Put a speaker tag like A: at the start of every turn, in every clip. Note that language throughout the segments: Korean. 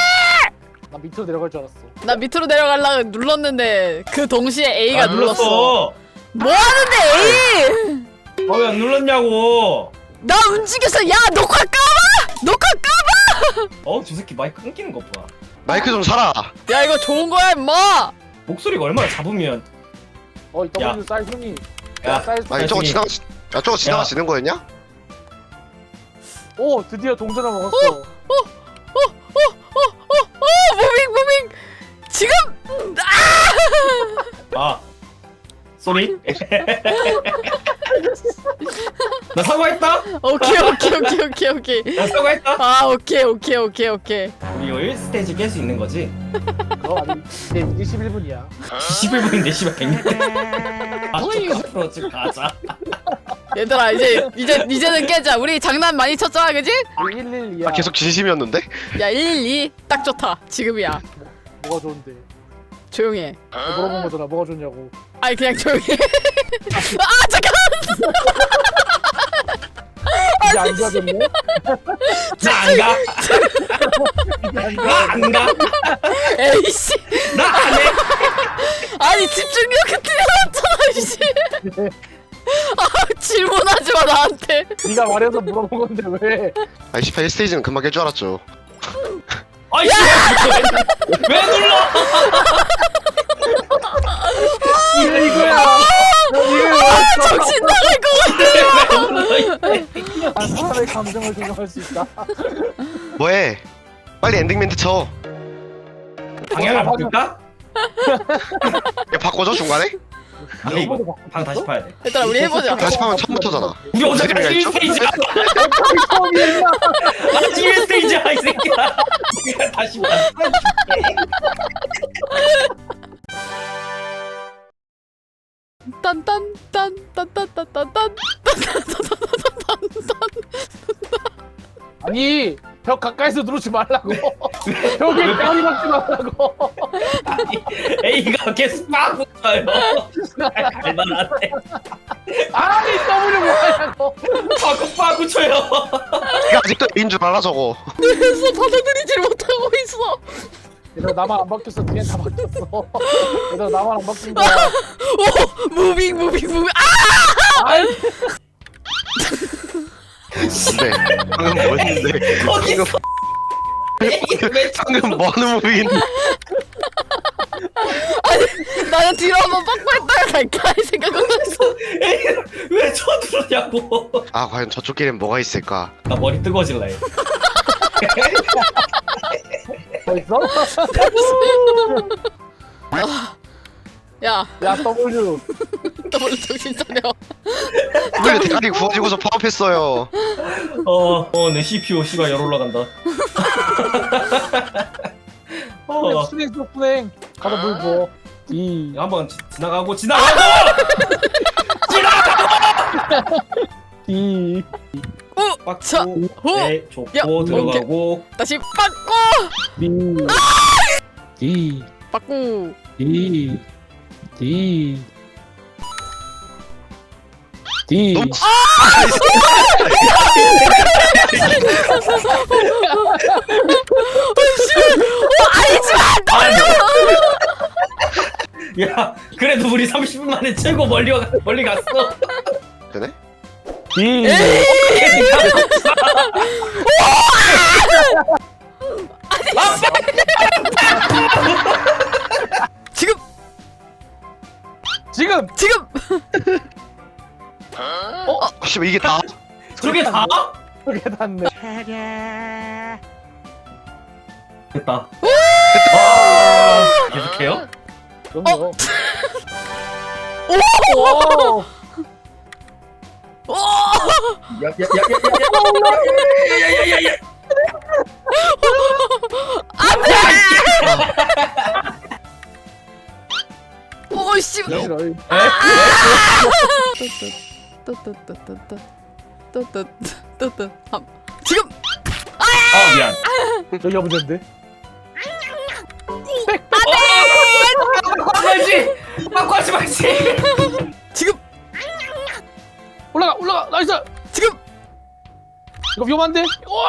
A: 나 밑으로 내려갈 줄 알았어.
B: 나 밑으로 내려가려고 눌렀는데 그 동시에 A가 눌렀어.
C: 눌렀어.
B: 뭐 하는데 A?
C: 왜 안 눌렀냐고.
B: 나 움직였어. 야 녹화 까봐. 녹화 까봐.
C: 저 새끼 마이크 끊기는 것 봐.
D: 마이크 좀 사라.
B: 야 이거 좋은 거야 임마.
C: 목소리가 얼마나 잡으면.
A: 이 W 사이즈 순위.
C: 야,
A: 사이즈
D: 아니 저거
C: 아니,
D: 저거 지나가시는 거였냐?
A: 오 드디어 동전을 먹었어.
B: 무빙 지금.
C: 쏘리. 나 사과했다.
B: 오케이.
C: 나 사과했다.
B: 아 오케이.
C: 우리 이거 1스테이지 깰 수 있는 거지?
A: 아니 이제 11분이야.
C: 11분인데 씨발 100년. 앞으로 지금 가자.
B: 얘들아 이제는 깨자. 우리 장난 많이 쳤잖아 그지?
A: 112야.
D: 아 계속 진심이었는데?
B: 야 112 딱 좋다. 지금이야.
A: 뭐가 좋은데?
B: 조용해.
A: 물어본 거잖아. 뭐가 좋냐고.
B: 아니 그냥 조용해. 아 잠깐.
A: 이제 안 좋아졌네?
C: 나 안 가. 나 안 가.
B: 에이씨.
C: 나 안 해.
B: 아니 집중력 뛰어났잖아 씨. 아 질문하지 마 나한테.
A: 네가 말해서 물어본 건데 왜?
D: 아이 18스테이지는 금방 깰 줄 알았죠.
C: 아이씨. 왜 눌러?
A: 이거야.
B: 정신 나갈 것 같아.
A: 한 사람의 감정을 조정할 수 있다.
D: 뭐해? 빨리 엔딩 멘트 쳐.
C: 방향을 바꿀까?
D: 야 바꿔줘 중간에?
C: 아니 이거 방 다시 파야 돼.
B: 얘들아 우리 해보자.
D: 다시 파면 처음부터잖아.
C: 우리 어차피
D: 재미가 있죠?
C: 1스테이지야. 아직 1스테이지야 이 새끼야. 우리가 다시 만들어줄게.
B: 딴딴딴딴딴딴딴딴.
A: 아니 벽 가까이서 누르지 말라고. 벽에 까리 박지 말라고.
C: 아니 A가 계속 막 붙어요. 갈만한데.
A: 아니 W 뭐하냐고.
C: 빠꾸 쳐요.
D: 이게 아직도 A인 줄 알아 저거.
B: 그래서 받아들이질 못하고 있어.
A: 얘들아 나만 안 바뀌었어. 뒤엔 다 바뀌었어. 얘들아 나만 안 바뀐다.
B: 오 무빙. 아!
A: 아이
D: 뭔데? 방금 뭐였는데?
C: 거기서
D: 방금 뭐하는 무비인데?
B: 나는 뒤로 한번 빡빡했다가 갈까 이 생각은 했어.
C: 왜 쳐들었냐고.
D: 아 과연 저쪽 길엔 뭐가 있을까?
C: 나 머리 뜨거워질래.
A: 벌써?
B: 야
A: 야 W.
B: 더블 정신 차려.
D: 왜 대가리 구워지고서 파업했어요?
C: 내 CPU 씨가 열 올라간다.
A: 순행 순행. 가서 물 부어. D.
C: 한번 지나가고
A: D.
B: 자,
C: 빠꾸
B: 호!
C: 네 좁고 들어가고
B: 다시 빠꾸.
A: D. D.
B: 빠꾸.
A: D. D. D.
D: 너무
C: 야 그래도 우리 30분 만에 최고 멀리 갔어.
D: 되네?
A: D.
B: 지금
A: 지금.
D: 씨발 이게 다?
C: 저게 다?
A: 그게 닿네.
C: 됐다. 와 계속해요?
A: 그럼요.
B: 오! 오!
C: 야야야야야야야야야야야야야야야
B: 오 씨.
A: 싫어.
B: 또또또또또또또또또또 지금
C: 아 미안.
A: 여기가 문제인데.
C: 말지 바꿔 하지 말지.
B: 지금
A: 올라가 나이스.
B: 지금
A: 이거 위험한데.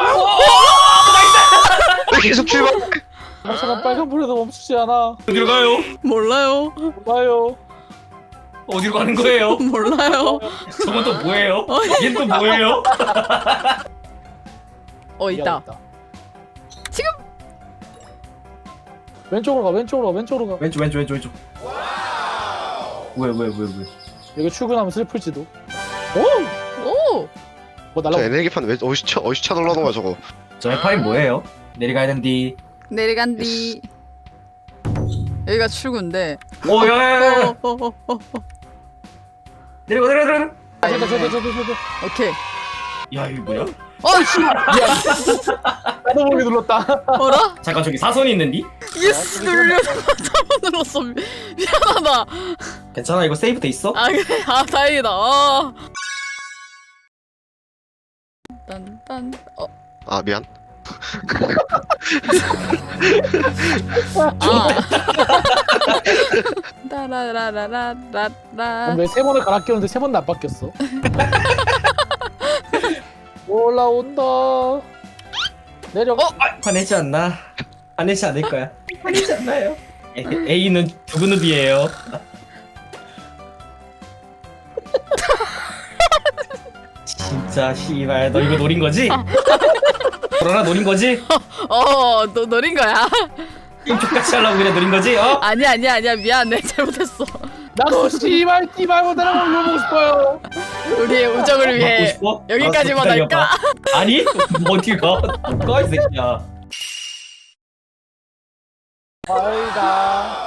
D: 왜 계속 출발?
A: 잠깐 빨간 불에도 멈추지 않아.
C: 어디로 가요?
B: 몰라요.
A: 봐요.
C: 어디로 가는 거예요?
B: 몰라요.
C: 저건 또 뭐예요? 얘 또 뭐예요?
B: 있다. 지금
A: 왼쪽으로 가. 왼쪽.
C: 왼쪽. 왜?
A: 여기 출근하면 슬플지도. 오!
B: 오
A: 뭐
D: 저
A: 날라.
D: 에너지판 왜 어시차 놀라는 거야 저거?
C: 저 해파인 뭐예요? 내려가야 된디.
B: 내려간디. 여기가 출구인데.
C: 오야야야. 내려가.
A: 저저.
B: 오케이.
C: 야 이거 뭐야?
B: 씨.
A: 나도 모르게 눌렀다.
B: 어라?
C: 잠깐 저기 사선이 있는디?
B: 예스 눌려서 잘못 눌렀어. 미안하다.
C: 괜찮아 이거 세이브 돼 있어?
B: 아 그래. 다행이다. 딴딴.
D: 아 미안.
B: 따라라라라라라.
A: 왜 세 번을 갈아 끼웠는데 세 번도 안 바뀌었어? 올라온다. 내려가.
C: 화내지 않나? 화내지 않을 거야. 화내지 않나요? A는 두근읍이에요. 진짜 씨발 너 이거 노린 거지? 코로나 노린 거지?
B: 너 노린 거야?
C: 게임 족같이 하려고 그냥 노린 거지?
B: 아니야 미안해 잘못했어.
A: 나도 씨발 띠발 못하는 걸 물어보고 싶어요.
B: 우리의 우정을
C: 받고
B: 위해
C: 싶어?
B: 여기까지만
C: 알았어,
B: 할까?
C: 기다려봐. 아니? 어딜 가? 못가 이 새끼야.
A: 아이가.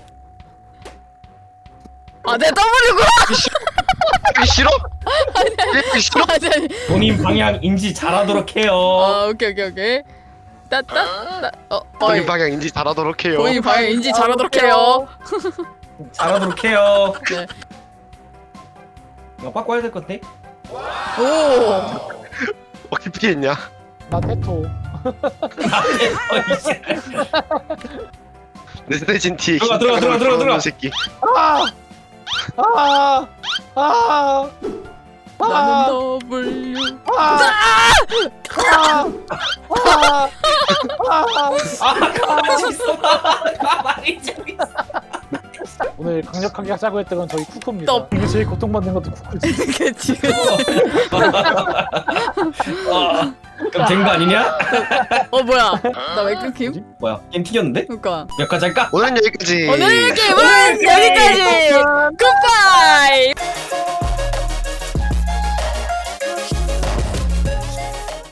B: 내 W구나.
D: 이게 싫어? 이게 싫어?
B: 아니.
C: 본인 방향 인지 잘하도록 해요.
B: 오케이.
D: 본인 방향 인지 잘하도록 해요.
B: 본인 방향 인지 잘하도록 해요.
C: 잘하도록 해요.
B: 네.
C: 이거 바꿔야 될 건데?
B: 오.
D: 어떻게 했냐?
A: 나 테토.
C: 이제.
D: 내진 티.
C: 들어가.
D: 새끼.
A: 아.
B: 나는 W.
C: 가만히 있어. 가만히 좀 있어.
A: 오늘 강력하게 하자고 했던 건 저희 쿠쿠입니다.
B: 너.
A: 이게 제일 고통받는 것도 쿠쿠지.
B: 그치.
C: 그럼 된 거 아니냐?
B: 뭐야? 나 왜 끊김?
C: 뭐야? 게임 튀겼는데?
B: 그니까.
C: 몇 가지 할까?
D: 오늘 여기까지.
B: 오늘 게임은 여기까지.